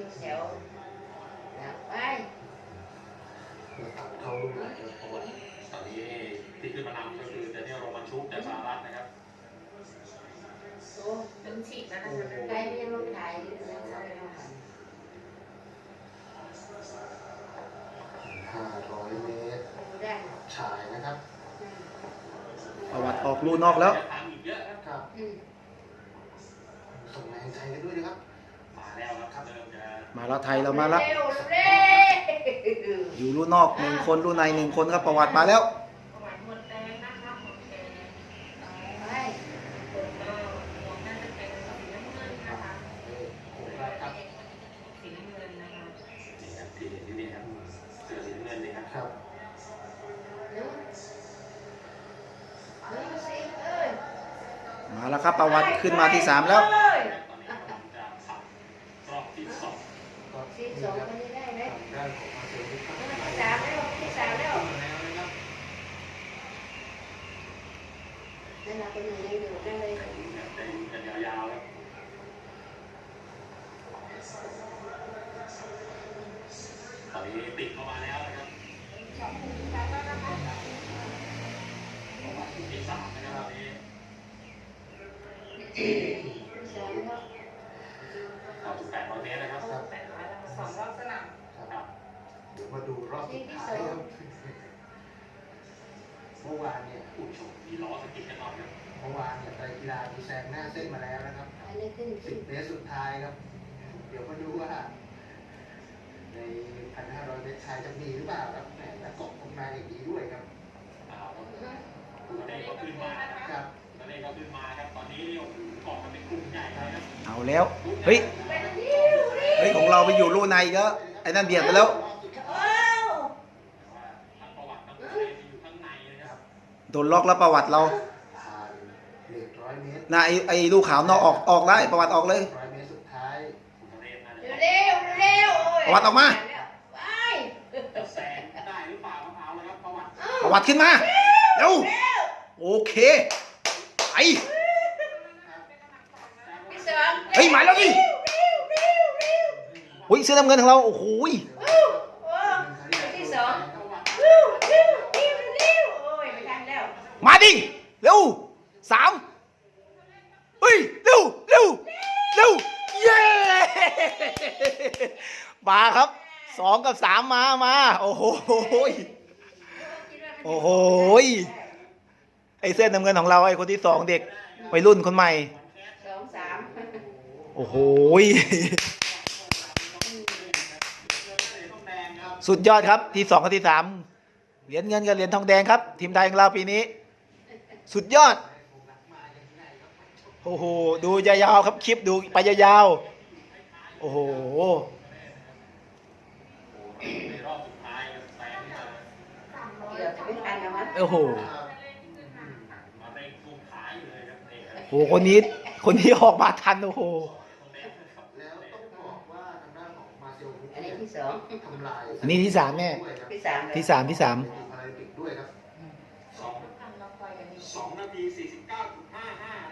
แถวไปเขาลูกไหนเพราะว่าตอนนี้ที่ขึ้นมานำก็คือเดนิเอลโรมันชุกจากสหรัฐนะครับโอ้ถึงฉีกแล้วนะคะใครไม่ยังลงถ่ายแล้วเขาไปลง 500 เมตรฉายนะครับประวัติออกลู่นอกแล้วครับส่งแรงใจกันด้วยนะครับมาแล้วครับเริ่มจะมาแล้วไทยเรามาแล้วอยู่ลู่นอก1 คนลู่ใน1 คนครับประวัติมาแล้วมาแล้วครับประวัติขึ้นมาที่3แล้วรอบที่2 ที่2คนนี้ได้ไหมด้านของมาเซลล์ที่ที่3แล้วนั่นเราเป็นยังอยู่นั่นเลยได้กันยาวๆครับตอนนี้ติดเข้ามาแล้วนะครับที่3นะครับตอนนี้800 เมตรนะครับ 2 รอบสนามครับเดี๋ยวมาดูรอบสุดท้ายครับเมื่อวานเนี่ยผู้ชมมีล้อสกิดกันหน่อยครับเมื่อวานเนี่ยไตรกีฬามีแซงหน้าเส้นมาแล้วนะครับ10 เมตรสุดท้ายครับเดี๋ยวมาดูว่าใน 1,500 เมตรชายจะมีหรือเปล่าครับแหมแล้วกบออกมาอย่างนี้ด้วยครับตัวเลขก็ขึ้นมาครับตัวเลขก็ขึ้นมาครับตอนนี้เกาะกันเป็นกลุ่มใหญ่เลยครับเอาแล้วเฮ้ยของเราไปอยู่ลู่ในก็ไอ้นั่นเบียดไปแล้วโดนล็อกแล้วประวัติเราน่ะไอ้ลูกขาวนอกออกได้ประวัติออกเลย 100 เมตรสุดท้ายเร็วประวัติออกมาแซงได้หรือเปล่าเอาเลยครับประวัติขึ้นมาเร็วโอเคไปเฮ้ยหมายแล้วดิเฮ้ยเสื้อน้ำเงินของเราโอ้โหที่2ไม่ทันแล้วมาดิเร็ว3เฮ้ยเร็วเย้มาครับ2 กับ 3มาโอ้โหไอ้เสื้อน้ำเงินของเราไอ้คนที่2เด็กวัยรุ่นคนใหม่ 2 3 โอ้โหสุดยอดครับที่2กับที่3เหรียญเงินกับเหรียญทองแดงครับทีมไทยของเราปีนี้สุดยอดโอ้โหดูยาวๆครับคลิปดูไปยาวๆโอ้โหโอ้โหคนนี้ออกมาทันโอ้โหแล้วต้องบอกว่าทางด้านของมาเซลอันนี้ที่2 ทำลายอันนี้ที่3แม่ที่3 พาราลิมปิกด้วยครับ 2 นาที 49.55